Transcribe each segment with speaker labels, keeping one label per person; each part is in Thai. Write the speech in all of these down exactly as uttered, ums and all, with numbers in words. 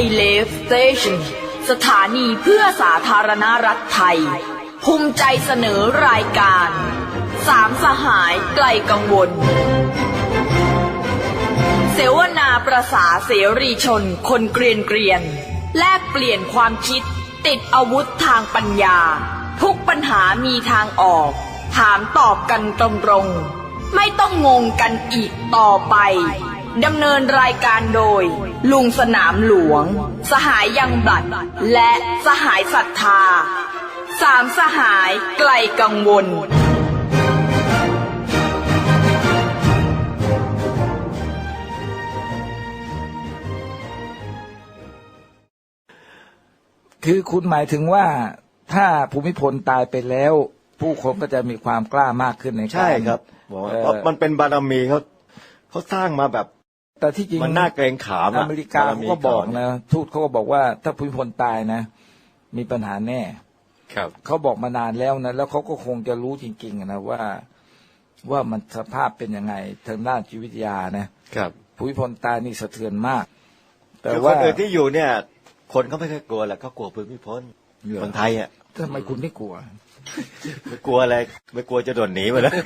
Speaker 1: เลฟสเตชันสถานีเพื่อสาธารณรัฐไทยภูมิใจเสนอรายการสามสหายไกลกังวลเสวนาประสาเสรีชนคนเกรียนเกรียนแลกเปลี่ยนความคิดติดอาวุธทางปัญญาทุกปัญหามีทางออกถามตอบกันตรงๆไม่ต้องงงกันอีกต่อไปดำเนินรายการโดยลุงสนามหลวงสหายยังบลัดและสหายศรัทธาสามสหายไกลกังวล
Speaker 2: คือคุณหมายถึงว่าถ้าภูมิพลตายไปแล้วผู้คนก็จะมีความกล้ามากขึ้นในการ
Speaker 3: ใช่ครับบอกว่าเพราะมันเป็นบารมีเขาเขาสร้างมาแบบ
Speaker 2: แต่ที่จริง
Speaker 3: มันน่าเกรงขาม
Speaker 2: อเมริกาเขาก็บอกนะทูตเขาก็บอกว่าถ้าภูมิพลตายนะมีปัญหาแน่
Speaker 4: ครับ
Speaker 2: เขาบอกมานานแล้วนะแล้วเขาก็คงจะรู้จริงๆนะว่าว่ามันสภาพเป็นยังไงทางด้านจิตวิทยานะครับภูมิพลตายนี่สะเทือนมาก
Speaker 3: แต่ว่าคนอื่นที่อยู่เนี่ยคนเขาไม่เคยกลัวแหละเขากลัวภูมิพลคนไทยอ่ะ
Speaker 2: ทำไมคุณไม่กลัว
Speaker 3: ไม่กลัวอะไรไม่กลัวจะโดนหนีไปแล้ว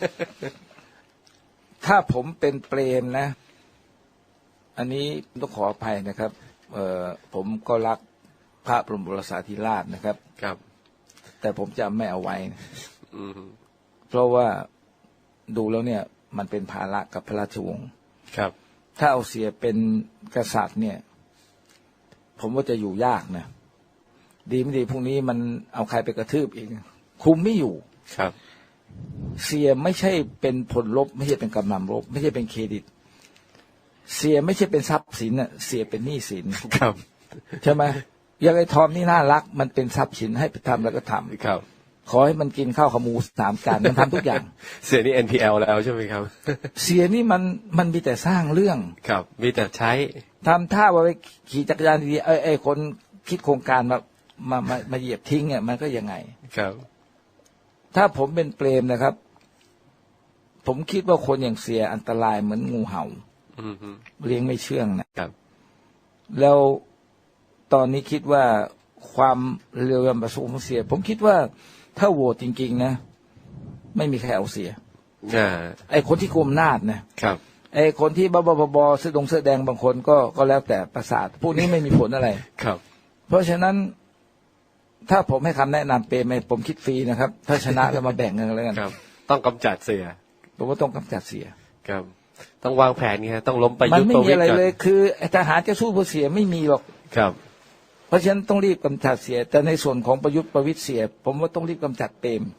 Speaker 2: ถ้าผมเป็นเปรมนะอันนี้ต้องขออภัยนะครับเอ่อผมก็รักพระบรมโอรสาธิราชนะครับ
Speaker 4: ครับ
Speaker 2: แต่ผมจะไม่เอาไว้นะเพราะว่าดูแล้วเนี่ยมันเป็นภาระกับพระราชวงศ์
Speaker 4: ครับ
Speaker 2: ถ้าเอาเสียเป็นกษัตริย์เนี่ยผมว่าจะอยู่ยากนะดีไม่ดีพรุ่งนี้มันเอาใครไปกระทืบอีกคุมไม่อยู่
Speaker 4: ครับ
Speaker 2: เสียไม่ใช่เป็นผลลบไม่ใช่เป็นกำลังลบไม่ใช่เป็นเครดิตเสียไม่ใช่เป็นทรัพย์สินน่ะเสียเป็นหนี้สิน
Speaker 4: ครับ
Speaker 2: ใช่ไหมอย่างไอ้ทอมนี่น่ารักมันเป็นทรัพย์สินให้ไปทำแล้วก็ทำ
Speaker 4: ครับ
Speaker 2: ขอให้มันกินข้าวขาหมูสามจานมันทำทุกอย่าง
Speaker 4: เสียนี่ เอ็น พี แอล แล้วใช่ไหมครับ
Speaker 2: เสียนี่มันมันมีแต่สร้างเรื่อง
Speaker 4: ครับมีแต่ใช้
Speaker 2: ทำท่าว่าไปขี่จักรยานดีๆไอ้ไอ้คนคิดโครงการมามามามาเหยียบทิ้งเนี่ยมันก็ยังไง
Speaker 4: ครับ
Speaker 2: ถ้าผมเป็นเปรมนะครับผมคิดว่าคนอย่างเสียอันตรายเหมือนงูเห่าเลี้ยงไม่เชื่องนะครับแล้วตอนนี้คิดว่าความเร็วยำประสงค์ของเสียผมคิดว่าถ้าโหวตจริงๆนะไม่มีใครเอาเสียไอ้คนที่กุมอำนาจนะครับไอ้คนที่บ้าๆบอๆเสื้อดงเสื้อแดงบางคนก็ก็แล้วแต่ประสาทพวกนี้ไม่มีผลอะไร
Speaker 4: ครับ
Speaker 2: เพราะฉะนั้นถ้าผมให้คำแนะนำเปรมผมคิดฟรีนะครับถ้าชนะแล้วมาแบ่งเงินแล้วกัน
Speaker 4: ครับต้องกำจัดเสีย
Speaker 2: ผมว่าต้องกำจัดเสีย
Speaker 4: ครับต้องวางแผนไงต้องล้มประยุทธ์
Speaker 2: มันไม่มีอะไรเลยคือทหารจะสู้ผู้เสียไม่มีหรอก
Speaker 4: ครับ
Speaker 2: เพราะฉะนั้นต้องรีบกำจัดเสียแต่ในส่วนของประยุทธ์ประวิตรเสียผมว่าต้องรีบกำจัดเปรม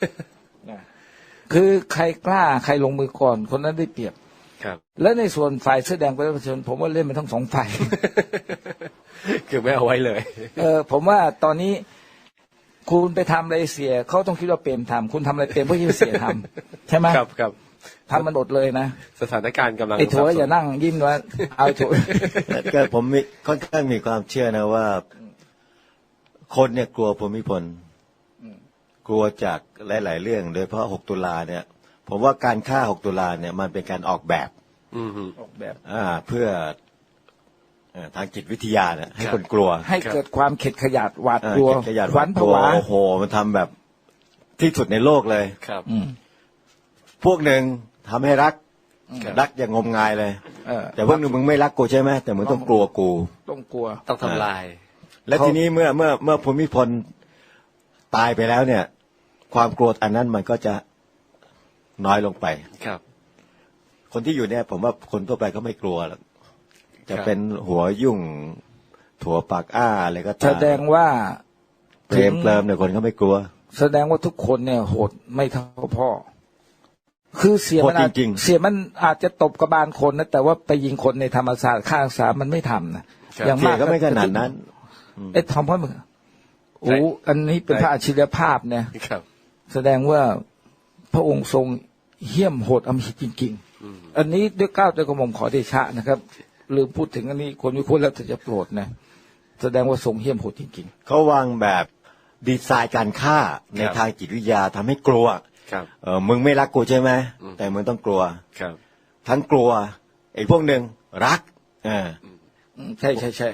Speaker 2: คือใครกล้าใครลงมือก่อนคนนั้นได้เปรียบ
Speaker 4: ครับ
Speaker 2: และในส่วนฝ่ายเสื้อแดงประชาชนผมว่าเล่นมันทั้งสองฝ่าย
Speaker 4: คือไม่เอาไว้เลย
Speaker 2: เออผมว่าตอนนี้คุณไปทำอะไรเสียเขาต้องคิดว่าเปรมทำคุณทำอะไรเปรมเพราะที่เสียทำใช่ไหม
Speaker 4: ครับครับ
Speaker 2: ทำมันหมดเลยนะ
Speaker 4: สถานการณ์กำลัง
Speaker 2: ไอ้ถั่วอย่านั่งยิ้มว่าเอาถั่ว
Speaker 3: ก็ผมมีค่อนข้างมีความเชื่อนะว่าคนเนี่ยกลัวภูมิพลกลัวจากหลายๆเรื่องโดยเฉพาะหกตุลาเนี่ยผมว่าการฆ่าหกตุลาเนี่ยมันเป็นการออกแบบ
Speaker 2: ออกแบบ
Speaker 3: อ่าเพื่อทางจิตวิทยาเนี่ยให้คนกลัว
Speaker 2: ให้เกิดความเข็ดขยาดหวาดกลัว
Speaker 3: ขวัญผวาโอ้โหมันทำแบบที่สุดในโลกเลย
Speaker 4: ครับ
Speaker 3: พวกหนึ่งทำให้รักรักอย่างงมงายเลยแต่พวกหนึ่งมึงไม่รักกูใช่ไหมแต่มึงต้องกลัวกู
Speaker 2: ต้องกลัว
Speaker 4: ต้องทำลาย
Speaker 3: และทีนี้เมื่อเมื่อเมื่อภูมิพลตายไปแล้วเนี่ยความกลัวอันนั้นมันก็จะน้อยลงไป
Speaker 4: ครับ
Speaker 3: คนที่อยู่เนี่ยผมว่าคนทั่วไปก็ไม่กลัวหรอกจะเป็นหัวยุ่งถั่วปากอ้าอะไรก็ตาม
Speaker 2: แสดงว่า
Speaker 3: เปรมเปรมเนี่ยคนก็ไม่กลัว
Speaker 2: แสดงว่าทุกคนเนี่ยโหดไม่เท่าพ่อคือเสียมันเสียมันอาจจะตบกระบาลคนนะแต่ว่าไปยิงคนในธรรมศาสตร์ข้างสามมันไม่ทำนะ
Speaker 3: อย่างมากก็ไม่ขนาดนั้น
Speaker 2: ไอ้ทอมพ่อมึงโอ้อันนี้เป็นพระอัจฉริยภาพเนี่ยแสดงว่าพระองค์ทรงเหี้ยมโหดอำมหิตจริงๆอันนี้ด้วยเกล้าด้วยกระหม่อมขอเดชะนะครับลืมพูดถึงอันนี้คนวิเคราะห์แล้วจะโปรดนะแสดงว่าทรงเหี้ยมโหดจริง
Speaker 3: ๆเขาวางแบบดีไซน์การฆ่าในทางจิตวิทยาทำให้กลัวเออมึงไม่รักกูใช่ไหมแต่มึงต้องกลัวทั้งกลัวไอ้พวกหนึ่งรักเออ
Speaker 2: ใช่ใช่ใช่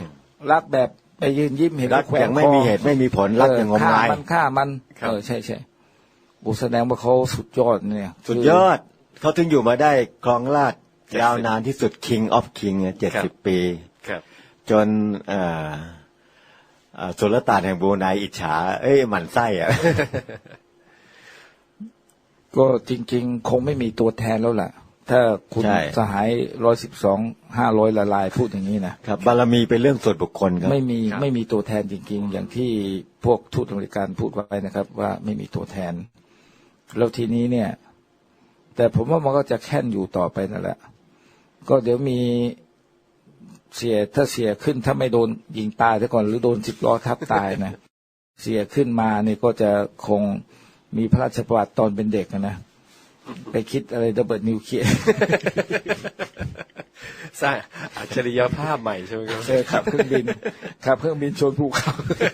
Speaker 2: รักแบบไปยืนยิ้มเห็น
Speaker 3: รัก
Speaker 2: แขว
Speaker 3: อย่าง งไม่
Speaker 2: คอ
Speaker 3: มีเหตุไม่มีผลรักอย่างงมงาย
Speaker 2: ฆ่ามันฆ่ามันเออใช่ใช่อุแสดงว่าเขาสุดยอดเนี่ย
Speaker 3: สุดยอดเขาถึงอยู่มาได้ครองราชย์ยาวนานที่สุด King of King เจ็ดสิบปี
Speaker 4: ครับ
Speaker 3: จนเอ่อเอ่อสุลต่านแห่งบรูไนอิจฉาเอ้ยหมั่นไส้อะ
Speaker 2: ก็จริงๆ คงไม่มีตัวแทนแล้วล่ะ ถ้าคุณ
Speaker 3: ใช่
Speaker 2: สหายร้อยสิบสองห้าร้อยละลายพูดอย่างนี้นะครับ
Speaker 3: บารมีเป็นเรื่องส่วนบุคคลครับ
Speaker 2: ไม่มี
Speaker 4: ครับ
Speaker 2: ไม่มีตัวแทนจริงๆ อย่างที่พวกทูตอเมริกันพูดไว้นะครับ ว่าไม่มีตัวแทน แล้วทีนี้เนี่ย แต่ผมว่ามันก็จะแค่นอยู่ต่อไปนั่นแหละ ก็เดี๋ยวมีเสียถ้าเสียขึ้นถ้าไม่โดนยิงตายซะก่อนหรือโดนสิบล้อทับตายนะ เสียขึ้นมาเนี่ยก็จะคงมีพระราชประวัติตอนเป็นเด็กนะไปคิดอะไรระเบิดนิวเคลียร์
Speaker 4: สร้างอัจฉริยภาพใหม่ใช่ไหมครับ
Speaker 2: เออขับเครื่องบินขับเครื่องบินชนภูเขา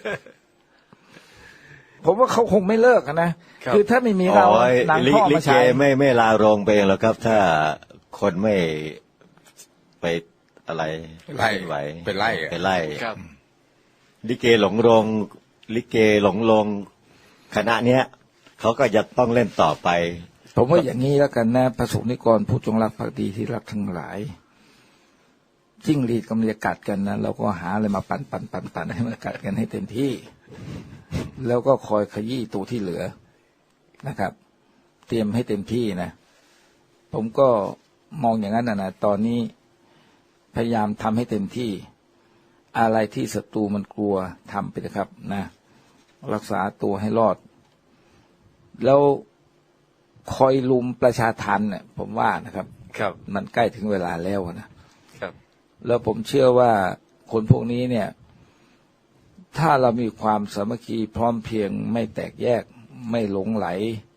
Speaker 2: ผมว่าเขาคงไม่เลิกอะนะ
Speaker 4: ครับ
Speaker 2: คือถ้าไม่มีเรา
Speaker 3: อ๋อ
Speaker 2: หนัง
Speaker 3: ลิ
Speaker 2: พ่อ
Speaker 3: ลิ
Speaker 2: มา
Speaker 3: เก
Speaker 2: ฉาย
Speaker 3: ไม่ไม่ลาโรงไปเองหรอกครับ ถ้าคนไม่ไปอะไร
Speaker 5: ไล่
Speaker 3: ไหว
Speaker 5: ไปไล่อะ
Speaker 3: ไปไล่
Speaker 4: ครับ
Speaker 3: ลิเกหลงโรงลิเกหลงโรงคณะเนี้ยเขาก็จะต้องเล่นต่อไป
Speaker 2: ผมว่าอย่างนี้แล้วกันนะพระสงฆ์นิกรผู้จงรักภักดีที่รักทั้งหลายจิ้งหรีดกำลังจะกัดกันนะเราก็หาอะไรมาปั่นปั่นปั่นปั่นให้มันกัดกันให้เต็มที่ แล้วก็คอยขยี้ตัวที่เหลือนะครับ เตรียมให้เต็มที่นะ ผมก็มองอย่างนั้นนะนะตอนนี้พยายามทำให้เต็มที่ อะไรที่ศัตรูมันกลัวทำไปนะครับนะรักษาตัวให้รอด แล้วคอยลุมประชาทันเนี่ยผมว่านะครับ
Speaker 4: ครับ
Speaker 2: มันใกล้ถึงเวลาแล้วนะครับ แล้วผมเชื่อว่าคนพวกนี้เนี่ย ถ้าเรามีความสามัคคีพร้อมเพรียงไม่แตกแยกไม่หลงไหล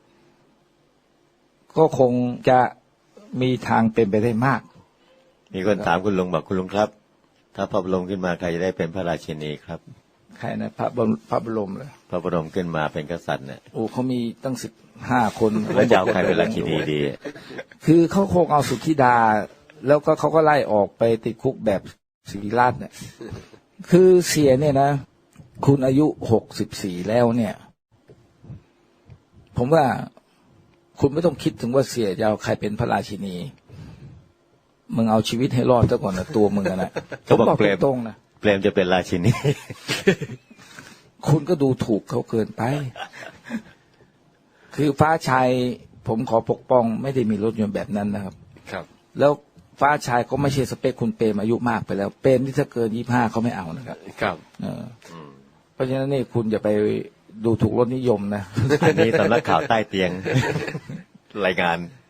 Speaker 2: ก็คงจะมีทางเป็นไปได้มาก
Speaker 3: มีคนถามคุณลุงบอกคุณลุงครับ ถ้าพระบรมขึ้นมาใครจะได้เป็นพระราชินีครับ
Speaker 2: ใครนะพระบรมพระบรมเลย
Speaker 3: พระบรมขึ้นมาเป็นกษัตริย์เนี่ย
Speaker 2: โอ้เขามีตั้งสิบห้าคน
Speaker 3: แล้วจะเอาใครเป็นราชินีดี
Speaker 2: คือเขาคงเอาสุทธิดา แล้วก็เขาก็ไล่ออกไปติดคุกแบบศิริราชเนี่ย คือเสียเนี่ยนะ คุณอายุหกสิบสี่แล้วเนี่ย ผมว่าคุณไม่ต้องคิดถึงว่าเสียจะเอาใครเป็นพระราชินี มึงเอาชีวิตให้รอดซะก่อนนะตัวมึงอะนะ
Speaker 3: เขาบอก
Speaker 2: ผม
Speaker 3: เปรม
Speaker 2: ตรงๆนะ
Speaker 3: เปรมจะเป็นราชินี
Speaker 2: คุณก็ดูถูกเขาเกินไป คือฟ้าชัยผมขอปกป้องไม่ได้มีรถยนต์แบบนั้นนะครับ
Speaker 4: ครับ
Speaker 2: แล้วฟ้าชายก็ไม่ใช่สเปคคุณเปรมอายุมากไปแล้ว เปรมที่ถ้าเกินยี่ห้าเขาไม่เอานะครับ
Speaker 4: ครับ
Speaker 2: เออเพราะฉะนั้นนี่คุณอย่าไปดูถูกรสนิยมนะ
Speaker 3: อันนี้สำนักข่าวใต้เตียง รายงาน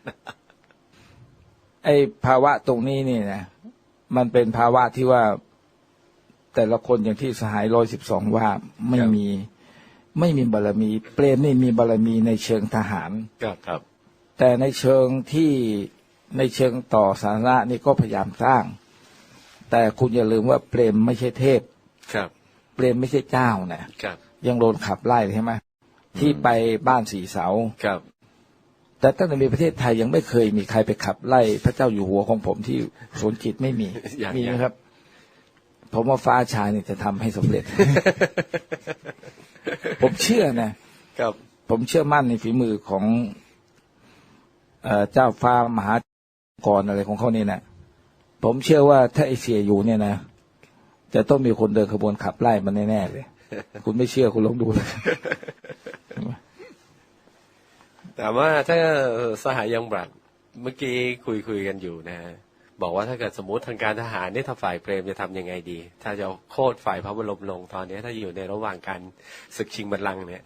Speaker 2: ไอ้ภาวะตรงนี้นี่นะมันเป็นภาวะที่ว่าแต่ละคนอย่างที่สหายร้อยสิบสองว่าไม่มี ไม่มีบารมี เปรมนี่มีบารมีในเชิงทหาร
Speaker 4: ครับครับ
Speaker 2: แต่ในเชิงที่ในเชิงต่อสาธารณะนี่ก็พยายามสร้าง แต่คุณอย่าลืมว่าเปรมไม่ใช่เทพ
Speaker 4: ครับ
Speaker 2: เปรมไม่ใช่เจ้านะครับ ยังโดนขับไล่ใช่ไหมที่ไปบ้านสีเสา
Speaker 4: ครับ
Speaker 2: แต่ตั้งแต่มีประเทศไทยยังไม่เคยมีใครไปขับไล่พระเจ้าอยู่หัวของผมที่สวนจิตไม่มี
Speaker 4: อย่าง
Speaker 2: มี
Speaker 4: อย่าง
Speaker 2: นะครับ ผมว่าฟ้าชายนี่จะทำให้สำเร็จ ผมเชื่อนะ
Speaker 4: ครับ
Speaker 2: ผมเชื่อมั่นในฝีมือของเอ่อเจ้าฟ้ามหากรอะไรของเขานี่นะผมเชื่อว่าถ้าไอเสียอยู่เนี่ยนะจะต้องมีคนเดินขบวนขับไล่มันแน่ๆเลย คุณไม่เชื่อคุณลองดูเลย
Speaker 4: แต่ว่าถ้าสหายยังบรัดเมื่อกี้คุยคุยกันอยู่นะฮะบอกว่าถ้าเกิดสมมติทางการทหารเนี่ยถ้าฝ่ายเปรมจะทำยังไงดี ถ้าจะโค่นฝ่ายพระบรมลงตอนนี้ถ้าอยู่ในระหว่างการศึกชิงบัลลังก์เนี่ย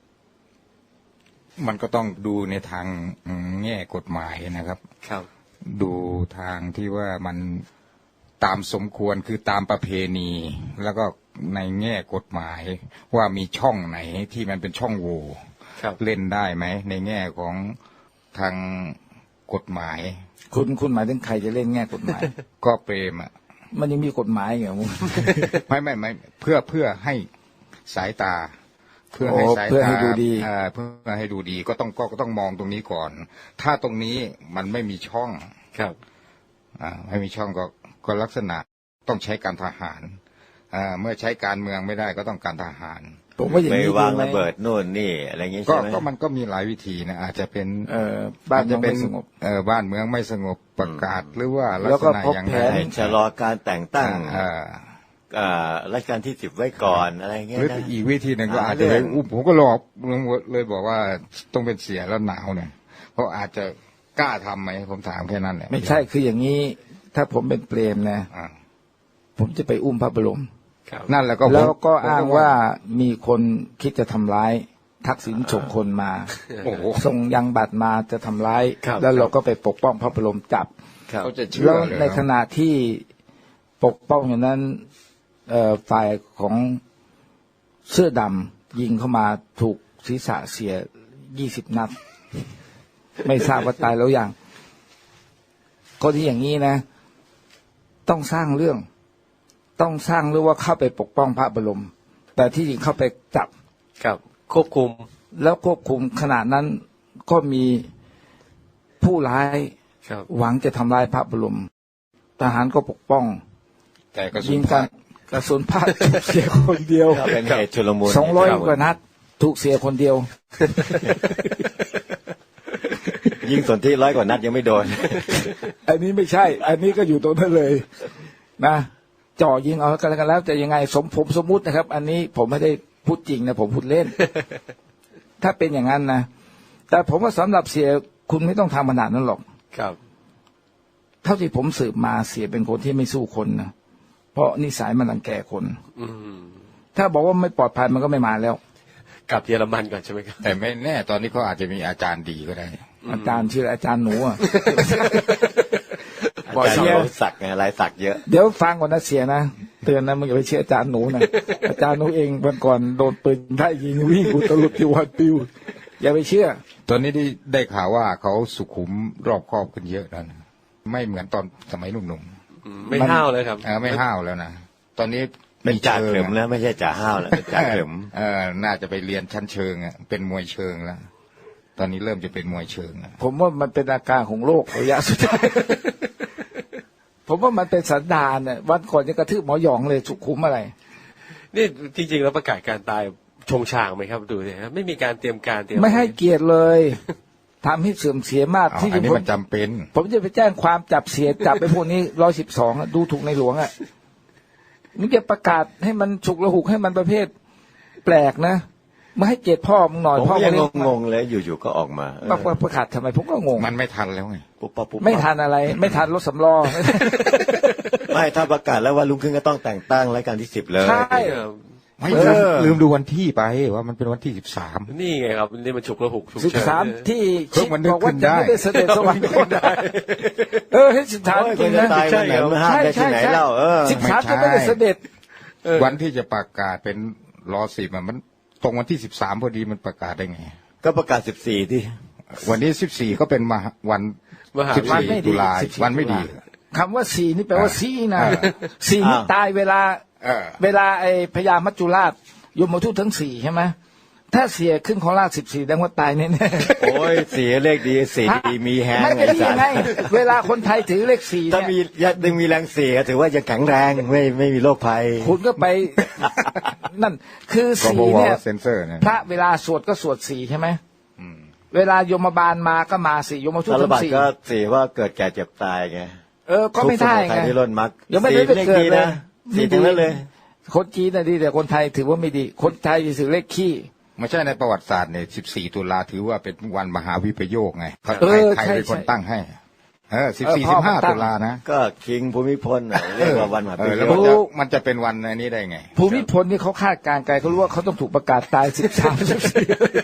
Speaker 5: มันก็ต้องดูในทางแง่กฎหมายนะครับ
Speaker 4: ครับ
Speaker 5: ดูทางที่ว่ามันตามสมควรคือตามประเพณี แล้วก็ในแง่กฎหมายว่ามีช่องไหนที่มันเป็นช่องโหว่
Speaker 4: ครับ
Speaker 5: เล่นได้ไหมในแง่ของทางกฎหมาย
Speaker 2: คุณคุณหมายถึงใครจะเล่นแง่กฎหมาย
Speaker 5: ก็เปรมอ่ะ
Speaker 2: มันยังมีกฎหมายเหรอมึง
Speaker 5: ไม่ไม่ไม่เพื่อเพื่อให้สายตา เพื่อให้
Speaker 2: โอ้
Speaker 5: สาย
Speaker 2: เพื่อ
Speaker 5: ตา
Speaker 2: ให้ดูดี
Speaker 5: เอ่อเพื่อให้ดูดีก็ต้องก็ก็ต้องมองตรงนี้ก่อน ถ้าตรงนี้มันไม่มีช่อง
Speaker 4: ครับ
Speaker 5: อ่าไม่มีช่องก็ก็ลักษณะต้องใช้การทหารอ่าเมื่อใช้การเมืองไม่ได้ก็ต้องการทหาร
Speaker 2: ผมว่าอย่าง
Speaker 3: ไป
Speaker 2: นี้
Speaker 3: วาง
Speaker 2: ดีไหม
Speaker 3: ระเบิดโน่นนี่อะไรอย่างงี้
Speaker 5: ก็
Speaker 3: ใช่ไหม
Speaker 5: ก็มันก็มีหลายวิธีนะอาจจะเป็น
Speaker 2: เอ่อบ้านเมื
Speaker 5: จะ
Speaker 2: อง
Speaker 5: เป็
Speaker 2: ไม่
Speaker 5: น
Speaker 2: สงบ
Speaker 5: เออบ้านเมืองไม่สงบประกาศหรือว่าลัก
Speaker 2: แล้ว
Speaker 5: ษ
Speaker 2: ก็
Speaker 5: ณะ
Speaker 2: พบ
Speaker 5: อย่าง
Speaker 2: แผ
Speaker 5: ไร
Speaker 2: น
Speaker 3: ให้ชะลอการแต่งตั้ง
Speaker 5: อ่า
Speaker 3: อ่ารัชกาลที่สิบไว้ก่อนอะไรเงี้
Speaker 5: ห
Speaker 3: ย
Speaker 5: รือ
Speaker 3: นะ
Speaker 5: อีกวิธีหนึ่งก็
Speaker 3: หา
Speaker 5: อาจจะไป
Speaker 3: เรื่อง
Speaker 5: อุ้มผมก็หลอกเลยบอกว่าต้องเป็นเสียแล้วหนาวเนี่ยเพราะอาจจะกล้าทำไหมผมถามแค่นั้นแหละ
Speaker 2: ไม่ใช่คืออย่างนี้ ถ้าผมเป็นเปรมนะ
Speaker 5: อ่า
Speaker 2: ผมจะไปอุ้มพระบรม
Speaker 4: ครับ
Speaker 5: นั่นแหละก็ผม
Speaker 2: แล้วก็
Speaker 5: ผม
Speaker 2: อ้างว่ามีคนคิดจะทำร้าย ทักษิณส่งคนมา
Speaker 5: โอ้โห
Speaker 2: ส่งยังบัตรมาจะทำร้าย
Speaker 4: ครับ
Speaker 2: แล้วเราก็ไปปกป้องพระบรมจับ
Speaker 3: ครับ
Speaker 5: เขาจะเชื่อ
Speaker 2: แล้ว
Speaker 5: เลย
Speaker 2: ในขณะที่ปกป้องอย่างนั้นเอ่อฝ่ายของเสื้อดำยิงเข้ามาถูกศีรษะเสียยี่สิบนัด ไม่ทราบว่าตายแล้วยังก็ที่อย่างนี้นะ ต้องสร้างเรื่อง ต้องสร้างเรื่องว่าเข้าไปปกป้องพระบรม แต่ที่จริงเข้าไปจับ
Speaker 4: ครับควบคุม
Speaker 2: แล้วควบคุมขณะนั้นก็มีผู้ร้าย
Speaker 4: ครับ
Speaker 2: หวังจะทำลายพระบรม ทหารก็ปกป้อง
Speaker 5: แต่กระสุ
Speaker 2: ยิ
Speaker 5: น
Speaker 2: งกันกระสุนพลาดถูกเสียคนเดียว
Speaker 3: ก็เป็นเหตุชุลมุน
Speaker 2: สองร้อยกว่านัด ถูกเสียคนเดียว
Speaker 3: ยิงสนที่ร้อยกว่านัดยังไม่โดน
Speaker 2: อันนี้ไม่ใช่ อันนี้ก็อยู่ตรงนั้นเลย นะจ่อยิงเอากันแล้วกันแล้วจะยังไงสมผมสมมุตินะครับ อันนี้ผมไม่ได้พูดจริงนะผมพูดเล่น ถ้าเป็นอย่างนั้นนะแต่ผมว่าสำหรับเสียคุณไม่ต้องทำขนาดนั้นหรอก
Speaker 4: ครับ
Speaker 2: เท่าที่ผมสืบมาเสียเป็นคนที่ไม่สู้คนนะเพราะนิสัยมันรังแกคน
Speaker 4: อืม
Speaker 2: ถ้าบอกว่าไม่ปลอดภัยมันก็ไม่มาแล้ว
Speaker 4: กลับเยอรมันก่อนใช่ไหมครับ
Speaker 5: แต่ไม่แน่ตอนนี้เขาอาจจะมีอาจารย์ดีก็ได้
Speaker 2: อาจารย์ชื่ออาจารย์หนูอะ
Speaker 3: อา
Speaker 2: บอก
Speaker 3: จารย์
Speaker 2: เสีย
Speaker 3: เขาสักไงลายสักเยอะ
Speaker 2: เดี๋ยวฟังก่อนนะเสียนะเตือนนะมึงอย่าไปเชื่ออาจารย์หนูนะ อาจารย์หนูเองวันก่อนโดนปืนได้ยิงวิ่งอุตลุดที่วันปิวอย่าไปเชื่อ
Speaker 5: ตอนนี้ได้ได้ข่าวว่าเขาสุขุมรอบคอบขึ้นเยอะแล้วนะไม่เหมือนตอนสมัยหนุ่ม
Speaker 4: อืมไม่ห้าวเลยครับ
Speaker 5: ๆเออไม่ห้าวแล้วนะตอนนี้
Speaker 3: เป็นจ่า
Speaker 5: ชิง
Speaker 3: เข็มแล้วไม่ใช่จ่าห้าวแล้วเป็นจ่าเข็ม
Speaker 5: เออน่าจะไปเรียนชั้นเชิงอ่ะเป็นมวยเชิงแล้วตอนนี้เริ่มจะเป็นมวยเชิงแล้ว
Speaker 2: ผมว่ามันเป็นอาการของโรคระยะสุดท้าย ผมว่ามันเป็นสันดานเนี่ยวันก่อนยังกระทืบหมอหยองเลยสุขุมอะไร
Speaker 4: นี่จริงๆแล้วประกาศการตายชงชางไหมครับดูสิครับไม่มีการเตรียมการเตรียม
Speaker 2: ไม่ให้เกียรติเลย ทำให้เสื่อมเสียมาก
Speaker 5: เอา
Speaker 2: ที่
Speaker 5: อันนี้
Speaker 2: ผม
Speaker 5: มันจำเป็น
Speaker 2: ผมจะไปแจ้งความจับเสียจับไปพวกนี้ร้อยสิบสองดูถูกในหลวงอ่ะมึงจะประกาศให้มันฉุกระหุกให้มันประเภทแปลกนะมาให้เกียรติพ่อมึงหน่อย
Speaker 3: ผม
Speaker 2: พ่อ
Speaker 3: ก็ยัง
Speaker 2: เลี้ย
Speaker 3: งงๆเลยอยู่ๆก็ออกมาเออ
Speaker 2: มาประกาศทำไมผมก็งง
Speaker 5: มันไม่ทันแล้วไง
Speaker 3: ปุ๊บปั๊บปุ๊บปั๊บ
Speaker 2: ไม่ทันอะไร ไม่ทันรถสำรอง
Speaker 3: ไม่ถ้าประกาศแล้วว่าลุงขึ้นก็ต้องแต่งตั้งรายการที่สิบเลย
Speaker 2: ใช่
Speaker 4: เออ
Speaker 5: ไม่
Speaker 2: เอ
Speaker 5: ลืม
Speaker 2: อ
Speaker 5: ลืมดูวันที่ไปว่ามันเป็นวันที่สิบสาม
Speaker 4: นี่ไงครับนี่มันฉุกระหุกฉุก
Speaker 2: สิบ
Speaker 4: เฉิน
Speaker 2: สาม
Speaker 4: เนี่ย
Speaker 2: ที่
Speaker 5: เพิ่งมันนึก
Speaker 2: บอกว่า
Speaker 5: ขึ้น
Speaker 2: จะ
Speaker 5: ได้
Speaker 2: ไม่ได้เสด็จสวรรคตเออให้สิบสาม
Speaker 3: โอ้ย
Speaker 2: จริง
Speaker 3: คนจะ
Speaker 2: นะ
Speaker 3: ตายวันไหนมาห้ามได้ที่ไหนเล่าเออ
Speaker 2: สิบสามจะไม่ได้เสด็จ
Speaker 5: วันที่จะประกาศเป็นรอสิบมันตรงวันที่สิบสามพอดีมันประกาศได้ไง
Speaker 3: ก็ประกาศสิบสี่ที่
Speaker 5: วันนี้สิบสี่ก็เป็นมหาวัน
Speaker 4: มหา
Speaker 5: สิบ
Speaker 2: วัน
Speaker 5: สี่
Speaker 2: ไม่ดี
Speaker 5: ตุลา
Speaker 2: สิบสี่
Speaker 5: วันไม่ดี
Speaker 2: คำว่าสี่นี่แปลว่า
Speaker 5: อ่า
Speaker 2: สี่นะ
Speaker 5: อ่า
Speaker 2: สี่นี่
Speaker 3: อ้าว
Speaker 2: ตายเวลา
Speaker 5: เออ
Speaker 2: เวลาไอ้พญามัจจุราชยมทูตทั้งสี่ใช่ไหมถ้าเสียขึ้นของราชสิบสี่แสดงว่าตายแน่ๆ
Speaker 3: โอ้ยเสียเลขดีสีดีมีแฮง
Speaker 2: ไม่
Speaker 3: ไง
Speaker 2: เป็นดี
Speaker 3: สัต
Speaker 2: ไง
Speaker 3: ว์
Speaker 2: เวลาคนไทยถือเลขสี่
Speaker 3: ถ้า
Speaker 2: เนี่ย
Speaker 3: มียังมีแรงเสียถือว่ายังแข็งแรงไม่ไม่มีโรคภัย
Speaker 2: คุณก็ไป นั่น คือ
Speaker 5: ก็
Speaker 2: สี่
Speaker 5: บอก
Speaker 2: เนี่
Speaker 5: ว่าย เซนเซอร์นะ
Speaker 2: พระเวลาสวดก็สวดสี่ใช่ไหมเวลาโยมบาลมาก็มาสี่โยมทูต
Speaker 3: สาร
Speaker 2: ทั้
Speaker 3: บัต
Speaker 2: งสี่
Speaker 3: ก็เสียว่าเกิดแก่เจ็บตายไง
Speaker 2: เออก็ไม่ได้
Speaker 3: ทุกสมุทั
Speaker 2: ไง
Speaker 3: ยที่ล้นมัก
Speaker 2: ยังไม่ได้
Speaker 3: สี
Speaker 2: ไป
Speaker 3: เลข
Speaker 2: เกิด
Speaker 3: ดี
Speaker 2: เลย
Speaker 3: นะสีทั้งนั้นเลย
Speaker 2: คนจีนน่ะดีแต่คนไทยถือว่าไม่ดี คนไทยถือเลขขี้
Speaker 5: ไม่ใช่ในประวัติศาสตร์เนี่ยสิบสี่ตุลาถือว่าเป็นวันมหาวิปโยคไงเขา
Speaker 2: เออ
Speaker 5: ใคร
Speaker 2: ใช่
Speaker 5: เป็นคน
Speaker 2: ใช่
Speaker 5: ตั้งให้ เออสิบ
Speaker 2: เออ
Speaker 5: สี่
Speaker 2: พ่
Speaker 5: สิ
Speaker 2: อบ
Speaker 5: ห้า
Speaker 2: มันตั้ง
Speaker 5: ตุลานะ
Speaker 3: ก็คิงภูมิพลน่ะเรียกว่าวันมหา
Speaker 5: เอ
Speaker 3: ปิ
Speaker 5: อแล้ว
Speaker 3: โย
Speaker 5: มัน
Speaker 3: ค
Speaker 5: จะมันจะเป็นวันอันนี้ได้ไง
Speaker 2: ภูมิพลนี่เขาคาดการณ์ไกลเขารู้ว่าเขาต้องถูกประกาศตายสิบสามสิบสี่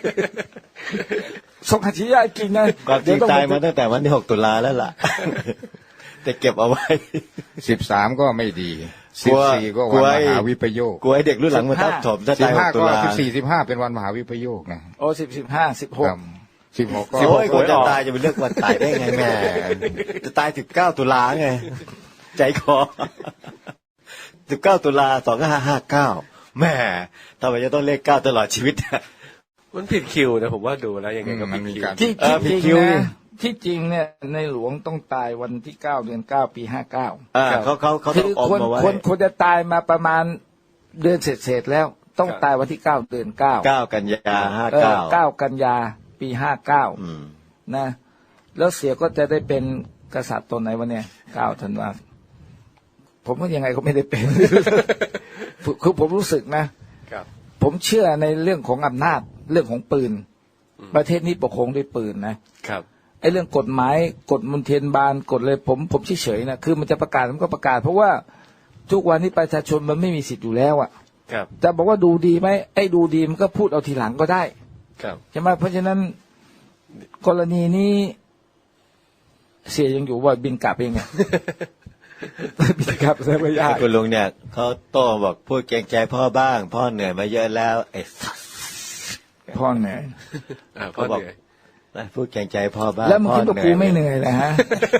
Speaker 2: สงขจิยากินนะ
Speaker 3: ความจริง
Speaker 2: เดี๋ว
Speaker 3: ตาย
Speaker 2: อง
Speaker 3: มาตั้งแต่วันที่หกตุลาแล้วล่ะ แต่เก็บเอาไว้
Speaker 5: สิบสามก็ไม่ดี
Speaker 3: ก
Speaker 5: สิ
Speaker 3: ลั
Speaker 5: บ
Speaker 3: ว
Speaker 5: สี่ก็
Speaker 3: กลั
Speaker 5: วัน
Speaker 3: ว
Speaker 5: ม
Speaker 3: ไอ้
Speaker 5: หาวิปโยค
Speaker 3: กลัวให้เด็กรุ่นหลังมาทับถมถ้า
Speaker 5: สิ
Speaker 3: ตา
Speaker 5: บ
Speaker 3: ยห
Speaker 5: ห้าก
Speaker 3: ตุ
Speaker 5: ก็
Speaker 3: ลา
Speaker 5: สิบสี่สิบห้าเป็นวันมหาวิปโยคนะ
Speaker 2: โอ้สิบสิบห้าสิบหก
Speaker 5: สิบหกก็
Speaker 3: โอ้ยคนจะตายจะไปเลือกวันตายได้ไงแม่จะตายสิบเก้าตุลาไงใจคอสิบเก้าตุลาสองห้าห้าเก้าแม่ทำไมจะต้องเลขเก้าตลอดชีวิต
Speaker 4: มันผิดคิวนะผมว่าดูแล้วยังไงก็
Speaker 5: มั
Speaker 4: ผิ
Speaker 5: น
Speaker 4: ด
Speaker 5: มี
Speaker 4: คิว
Speaker 5: การ
Speaker 2: ที่
Speaker 3: เออ
Speaker 2: ที่
Speaker 3: ผิด
Speaker 2: จ
Speaker 3: คิ
Speaker 2: ริ
Speaker 3: ว
Speaker 2: ง
Speaker 3: นี่
Speaker 2: นะที่จริงเนี่ยในหลวงต้องตายวันที่เก้าเดือนเก้าปีห้าเก้า
Speaker 3: อ่าเขาเขาเขา
Speaker 2: คื
Speaker 3: ต้อง
Speaker 2: อ
Speaker 3: อม
Speaker 2: ควร
Speaker 3: มาไว้
Speaker 2: ควรควรจะตายมาประมาณเดือนเสร็จๆแล้วต้องตายวันที่เก้าเดือนเก้า
Speaker 3: เก้ากันยาห้า
Speaker 2: เออ
Speaker 3: เก้า
Speaker 2: เก้ากันยาปีห้าเก้า
Speaker 3: อืม
Speaker 2: นะ แล้วเสียก็จะได้เป็นกษัตริย์ตนไหนวะเนี่ยเก้าธันวาผมว่ายังไงก็ไม่ได้เป็น คือผมรู้สึกนะครับ ผมเชื่อในเรื่องของอำนาจเรื่องของปืน ประเทศนี้ปกครองด้วยปืนนะครับไอ้เรื่องกฎหมายกฎมนเทียนบานกฎเลยผมผมเฉยๆนะคือมันจะประกาศมันก็ประกาศเพราะว่าทุกวันนี้ประชาชนมันไม่มีสิทธิ์อยู่แล้วอ่ะ
Speaker 4: ครับ
Speaker 2: จะบอกว่าดูดีไหมไอ้ดูดีมันก็พูดเอาทีหลังก็ได้
Speaker 4: ครับ
Speaker 2: ใช่ไหมเพราะฉะนั้นกรณีนี้เสียยังอยู่ว่าบินกลับเองไง บินกลับใช่ไหมยาก
Speaker 3: คุณลุงเนี่ยเขาโต้บอกพูดเกรงใจพ่อบ้าง พ่อเหนื่อยมาเยอะแล้วไอ้สัส
Speaker 2: พ่อเหนื่อย
Speaker 4: อ่าพ่อเหนื่อย
Speaker 3: พูดเกรงใจพ่อบ้าง
Speaker 2: แล้วมึงคิดว่ากูไม่เหนื่อยเลยฮะ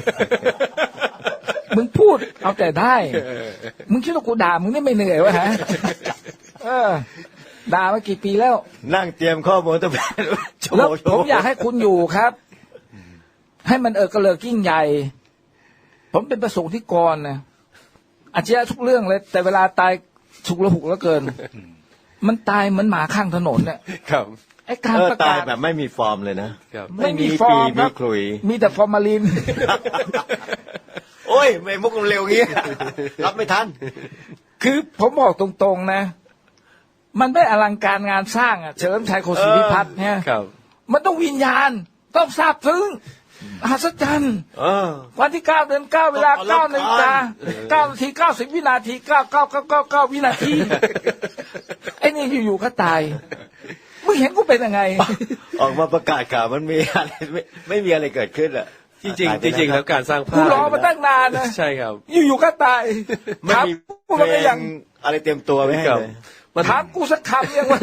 Speaker 2: มึงพูดเอาแต่ได้ มึงคิดว่ากูด่ามึงนี่ไม่เหนื่อยวะฮะ เออ ด่ามากี่ปีแล้ว
Speaker 3: นั่งเตรียมข้อมูลตั้งแต่ชั่วโม
Speaker 2: แล้ว
Speaker 3: ง
Speaker 2: ผมอยากให้คุณอยู่ครับ ให้มันเออกระเลิกยิ่งใหญ่ ผมเป็นประสงค์ที่กรนะอาชีพทุกเรื่องเลย แต่เวลาตายฉุกละหุกแล้วเกิน มันตายเหมือนหมาข้างถนนเนี่ย
Speaker 4: ครับ
Speaker 2: ไอ้การ
Speaker 3: เออ
Speaker 2: ประ
Speaker 3: ตาก
Speaker 2: าย ศ
Speaker 3: แบบไม่มีฟอร์มเลยนะครับ
Speaker 2: ไม่มีฟอร์ม
Speaker 3: ปี
Speaker 2: ครั
Speaker 3: ไม่
Speaker 2: บ
Speaker 3: คลุย
Speaker 2: มีแต่ฟอร์มาลิน
Speaker 3: โอ้ยไม่มุกเร็วงี้ รับไม่ทัน
Speaker 2: คือผมบอกตรงๆนะ มันไม่อลังการงานสร้างอ่ะเฉลิมชัยโคศิพิพัฒน์เนี่ย
Speaker 4: ครับ
Speaker 2: มันต้องวิญญาณ ต้องทราบซึ้งมหัศจรรย์
Speaker 3: เออ
Speaker 2: วันที่เก้าเดือนเก้าเวลา
Speaker 3: ต้อง
Speaker 2: เก้า
Speaker 3: อลังการ
Speaker 2: นาฬิกาเก้านาทีเก้าสิบวินาทีเก้าเก้าเก้าเก้าเก้าวินาที ไอ้นี่อยู่ๆก็ตายมึงเห็นกูเป็นยังไง
Speaker 3: ออกมาประกาศข่าวมันมีอะไรไม่ไม่มีอะไรเกิดขึ้นอ่ะ
Speaker 4: จริงๆจริงๆแล้วการสร้างภา
Speaker 2: กู
Speaker 4: พ
Speaker 2: รอมาตั้งนานนะ
Speaker 4: ใช่ครับ
Speaker 2: อยู่ๆก็ตาย
Speaker 3: ไม่
Speaker 2: ถาม
Speaker 3: มี
Speaker 2: กู
Speaker 3: เพล
Speaker 2: ก็ยัง
Speaker 3: งอะไรเตรียมตัวไว้ให้
Speaker 4: ครับ
Speaker 3: เลย
Speaker 4: มัน
Speaker 2: ถามกูสักคำยังวะ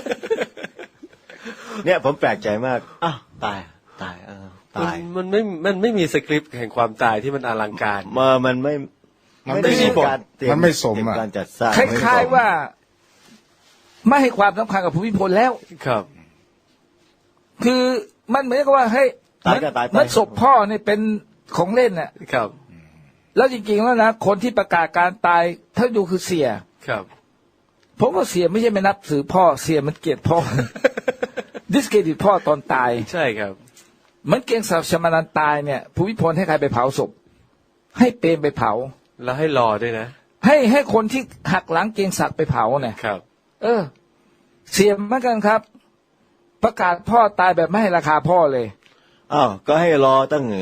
Speaker 3: เนี่ยผมแปลกใจมากอ้าวตายตายเออ
Speaker 4: มัน
Speaker 3: ตาย
Speaker 4: มันไม่มันไม่มีสคริปต์แห่งความตายที่มันอลังการ
Speaker 3: มามันไม่
Speaker 5: มันไม่
Speaker 3: ด้
Speaker 5: สม
Speaker 3: การเตรีย
Speaker 5: มันไม่สม
Speaker 3: เตรีย
Speaker 5: อ่ะ
Speaker 3: การจัดสร้าง
Speaker 2: คล้ายๆว่า ไม่ให้ความสำคัญกับภูมิพลแล้ว
Speaker 4: ครับ
Speaker 2: คือมันเหมือนกับว่าเฮ้ย
Speaker 3: ตายก็ตายไป
Speaker 2: มันศพพ่อเนี่ยเป็นของเล่นน่ะ
Speaker 4: ครับ
Speaker 2: แล้วจริงๆแล้วนะคนที่ประกาศการตายถ้าดูคือเสีย
Speaker 4: ครับ
Speaker 2: ผมว่าเสียไม่ใช่ไม่นับถือพ่อเสียมันเกลียดพ่อ ดิสเครดิตพ่อตอนตาย
Speaker 4: ใช่ครับ
Speaker 2: เหมือนเกียงศักดิ์ชมานันตายเนี่ยภูมิพลให้ใครไปเผาศพให้เปรมไปเผา
Speaker 4: แล้วให้รอด้วยนะ
Speaker 2: ให้ให้คนที่หักหลังเกียงศักดิ์ไปเผาเนี่ย
Speaker 4: ครับ
Speaker 2: เออ เสียเหมือนกันครับ ประกาศพ่อตายแบบไม่ให้ราคาพ่อเลย
Speaker 3: อ้าวก็ให้รอตั้ง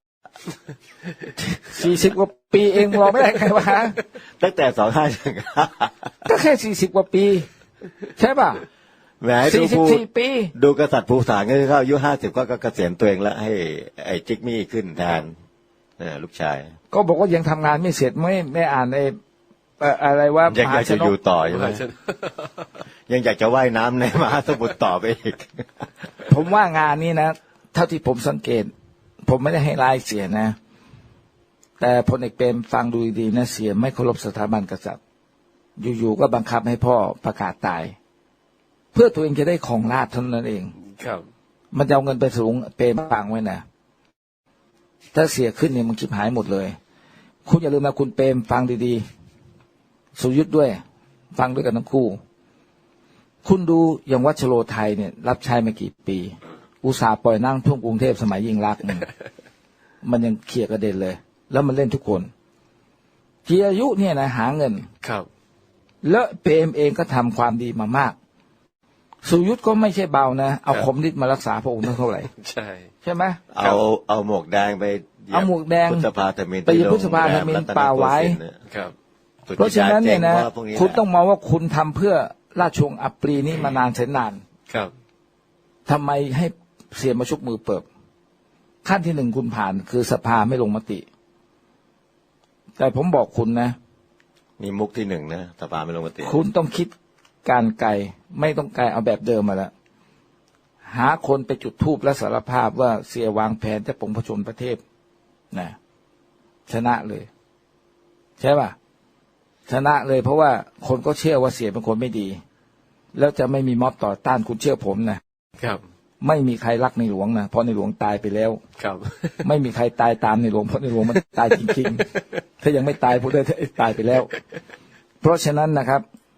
Speaker 2: สี่สิบกว่าปีเองรอไม่ได้ไงวะ
Speaker 3: ตั้งแต่สองห้า
Speaker 2: ก็แค่สี่สิบกว่าปี ใช่ป่ะ
Speaker 3: แหมดู
Speaker 2: สี่สิบ
Speaker 3: ผู้
Speaker 2: สี่ปี
Speaker 3: ดูกษัตริย์ภูฐานก็คือเขาอายุห้าสิบก็เกษียณตัวเองแล้วให้ไอ้จิกมี่ขึ้นแทนเนี่ยลูกชาย
Speaker 2: ก็บอกว่ายังทำงานไม่เสร็จไม่ไม่อ่านไอ้เอ่ออะไรว่า
Speaker 3: ยัง
Speaker 2: ม
Speaker 3: อยา
Speaker 2: หาก ช
Speaker 3: จะ
Speaker 2: น
Speaker 3: อยู่
Speaker 2: ก
Speaker 3: ต่อใช่ไหมยังอยากจะว่ายน้ำในมหาสมุทรต่อไปอีก
Speaker 2: ผมว่างานนี้นะเท่าที่ผมสังเกต ผมไม่ได้ให้รายเสียนะ แต่พลเอกเปรมฟังดูดีๆนะเสียไม่เคารพสถาบันกษัตริย์อยู่ๆก็บังคับให้พ่อประกาศตาย เพื่อตัวเองจะได้ของราชย์เท่านั้นเอง
Speaker 4: ครับ
Speaker 2: มันจะเอาเงินไปสูงเปรมฟังไว้นะถ้าเสียขึ้นเนี่ยมันคิดหายหมดเลย คุณอย่าลืมนะคุณเปรมฟังดีๆสุยุทธด้วย ฟังด้วยกันทั้งคู่ คุณดูอย่างวัชโรไทยเนี่ย รับใช้มากี่ปี อุตสาห์ปล่อยนั่งท่วมกรุงเทพสมัยยิ่งรักษณ์เนี่ยมันยังเคลียร์กระเด็นเลย แล้วมันเล่นทุกคนจีอายุเนี่ยนะหาเงิน
Speaker 4: ครับ
Speaker 2: แล้วเปรมเองก็ทำความดีมามาก สุยุทธก็ไม่ใช่เบานะเอาคมนิดมารักษาพระองค์เท่าไหร่
Speaker 4: ใช่
Speaker 2: ใช่ไหม
Speaker 3: เอาเอาหมวกแดงไปเหยียบ
Speaker 2: เอาหมวกแดง
Speaker 3: พุทธภาธมิน
Speaker 2: ไปเหยียบพุทธภาธมินป่าไว้
Speaker 4: ครับ
Speaker 2: เพราะฉะนั้นเนี่ยนะ
Speaker 3: พวกแหล
Speaker 2: คุณต้องมองว่าคุณทำเพื่อราชวงศ์อัปรีนี้มานานแสนนาน
Speaker 4: ครับ
Speaker 2: ทำไมให้เสียมาชุบมือเปิบขั้นที่หนึ่งคุณผ่านคือสภาไม่ลงมติ แต่ผมบอกคุณนะ
Speaker 3: มีมุกที่หนึ่งนะสภาไม่ลงมติ
Speaker 2: คุณต้องคิดการไกลไม่ต้องไกลเอาแบบเดิมมาแล้วหาคนไปจุดธูปและสารภาพว่าเสียวางแผนจะปลงพระชนพระเทพนะชนะเลย ใช่ป่ะชนะเลยเพราะว่าคนก็เชื่อว่าเสียเป็นคนไม่ดี แล้วจะไม่มีม็อบต่อต้านคุณเชื่อผมนะครับ ไม่มีใครรักในหลวงนะเพราะในหลวงตายไปแล้ว
Speaker 4: ครับ
Speaker 2: ไม่มีใครตายตามในหลวงเพราะในหลวงมันตายจริงๆ ถ้ายังไม่ตายพูดได้ตายไปแล้ว เพราะฉะนั้นนะครับ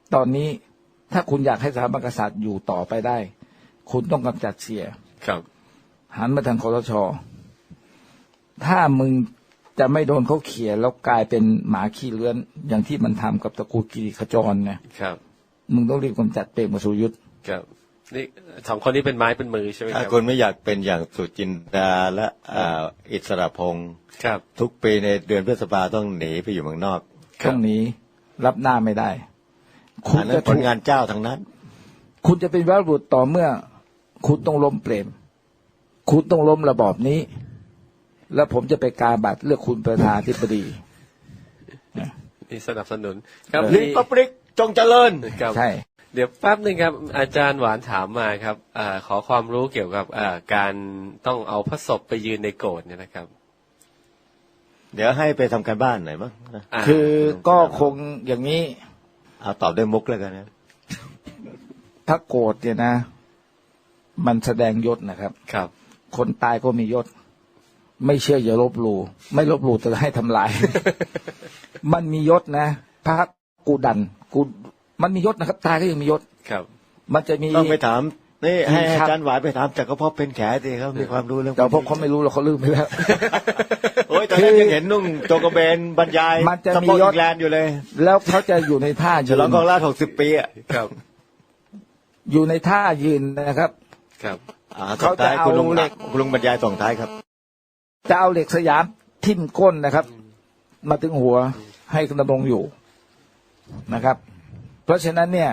Speaker 2: ตอนนี้ถ้าคุณอยากให้สถาบันกษัตริย์อยู่ต่อไปได้ คุณต้องกำจัดเสีย
Speaker 4: ครับ
Speaker 2: หันมาทางคสช.ถ้ามึงจะไม่โดนเขาเขี่ยแล้วกลายเป็นหมาขี้เลื้อนอย่างที่มันทำกับตระกูลกิริขจรเนี่ย
Speaker 4: ครับ
Speaker 2: มึงต้องรีบกำจัดเปรมกับสุรยุทธ์
Speaker 4: ครับนี่สองคนนี้เป็นไม้เป็นมือใช่ไหมค
Speaker 3: ถ้า
Speaker 4: รับ
Speaker 3: คุณไม่อยากเป็นอย่างสุจินดาและอ่าอิสระพงศ์
Speaker 4: ครับ
Speaker 3: ทุกปีในเดือนพฤษภาต้องหนีไปอยู่เมืองนอก
Speaker 2: ตรงนี้รับหน้าไม่ได้ คุณ
Speaker 3: อันนั้
Speaker 2: จะ
Speaker 3: นผลงานเจ้าทั้งนั้น
Speaker 2: คุณจะเป็นวีรบุรุษต่อเมื่อ คุณต้องล้มเปรม คุณต้องล้มระบอบนี้ แล้วผมจะไปกาบัตรเลือกคุณประธานาธิบดี
Speaker 4: นี่สนับสนุนครับ
Speaker 3: ลิปปริกจงเจริญ
Speaker 4: ครับ
Speaker 2: ใช่
Speaker 4: เดี๋ยวแป๊บหนึ่งครับ อาจารย์หวานถามมาครับอาขอความรู้เกี่ยวกับการต้องเอาพระศพไปยืนในโกรธเนี่ยนะครับ
Speaker 3: เดี๋ยวให้ไปทำการบ้านหน่อยมั้งนะ
Speaker 4: า
Speaker 2: คือก็คงอย่างนี้
Speaker 3: เอาตอบด้วยมุกแล้วกันนะ
Speaker 2: ถ้าโกรธเนี่ยนะ มันแสดงยศนะครับ
Speaker 4: ครับ
Speaker 2: คนตายก็มียศ ไม่เชื่ออย่าลบหลู่ไม่ลบหลู่จะให้ทำลาย มันมียศนะพระกูดันกูมันมียศนะครับ ตายก็ยังมียศ
Speaker 4: ครับ
Speaker 2: มันจะมี
Speaker 3: ต้องไปถามนี่ให้
Speaker 2: ครับ
Speaker 3: อาจารย์หวายไปถามแต่ก็พอเป็นแขสิเขามีความรู้เรื่อง
Speaker 2: แต่พวกเขาไม่รู้หรอกเขาลืมไปแล้ว
Speaker 3: โอ้ยตอนนั้นยังเห็นนุ่งโจงกระเบนบรรยาย
Speaker 2: มันจะ
Speaker 3: ส
Speaker 2: มี
Speaker 3: ปอร์ต
Speaker 2: ยศ
Speaker 3: อิงแลนด์อยู่เลย
Speaker 2: แล้วเขาจะอยู่ในท่า
Speaker 3: ฉ
Speaker 2: ยื
Speaker 3: ลอง
Speaker 2: น
Speaker 3: กองราชหกสิบปีอ่ะ
Speaker 4: ครับ
Speaker 2: อยู่ในท่ายืนนะครับ
Speaker 4: ครับ
Speaker 3: อ่า
Speaker 2: เขาจะ
Speaker 3: ส่งท้ายคุณลุง
Speaker 2: เอาเหล็ก
Speaker 3: คุณลุงบรรยายส่งท้ายครับ
Speaker 2: จะเอาเหล็กสยามทิ่มก้นนะครับ มาถึงหัวให้ดำรงอยู่นะครับ เพราะฉะนั้นเนี่ย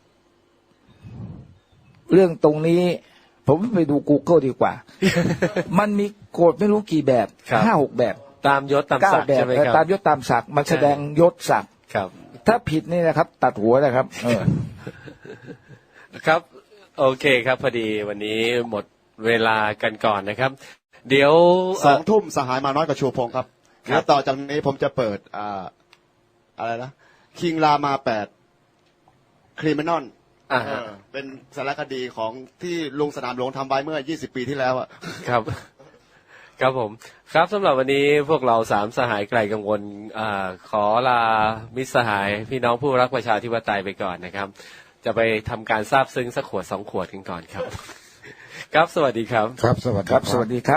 Speaker 2: เรื่องตรงนี้ ผมไปดู Google ดีกว่า มันมีโกฎไม่รู้กี่แบบ
Speaker 4: ครับ
Speaker 2: ห้าหกแบบ
Speaker 4: ตามยศตาม
Speaker 2: เก้า
Speaker 4: ศักดิ์
Speaker 2: แบบ
Speaker 4: ใช่ไหมครับ
Speaker 2: ตามยศตามศักดิ์มันแสดงยศศักดิ์
Speaker 4: ครับ
Speaker 2: ถ้าผิดนี่นะครับ ตัดหัวนะครับ เออ
Speaker 4: ครับ โอเคครับ พอดีวันนี้หมดเวลากันก่อนนะครับ เดี๋ยว
Speaker 6: สองทุ่มสหายมาน้อยกับชูพงศ์ครับ
Speaker 4: ครับ
Speaker 6: แล้วต่อจากนี้ผมจะเปิดอ่าอะไรนะคิงรามาแปดคริมินอล
Speaker 4: อ่าฮะ
Speaker 6: เป็นสารคดีของที่ลุงสนามหลวงทำไว้เมื่อยี่สิบปีที่แล้วอะ
Speaker 4: ครับ ครับผมครับสำหรับวันนี้พวกเราสามสหายไกลกังวลอ่าขอลามิตรสหายพี่น้องผู้รักประชาธิปไตยไปก่อนนะครับ จะไปทำการซาบซึ้งสักขวดสองขวดกันก่อนครับ ครับสวัสดีครับ
Speaker 5: ครับสวัสดี
Speaker 2: ครับ สวัสดีครับ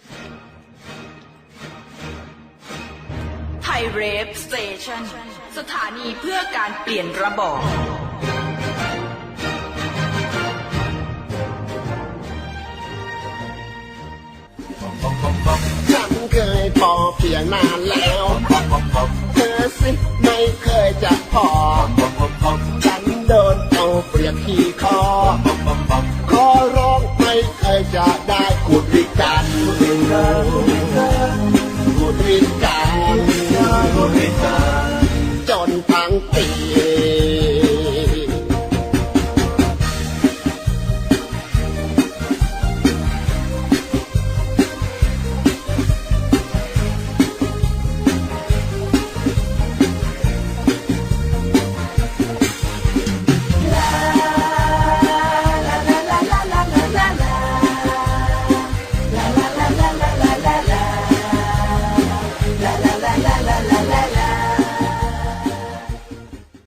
Speaker 1: ไทยเรฟสเตชันสถานีเพื่อการเปลี่ยนระบอบ
Speaker 7: ฉันเคยพอเพียงนานแล้ว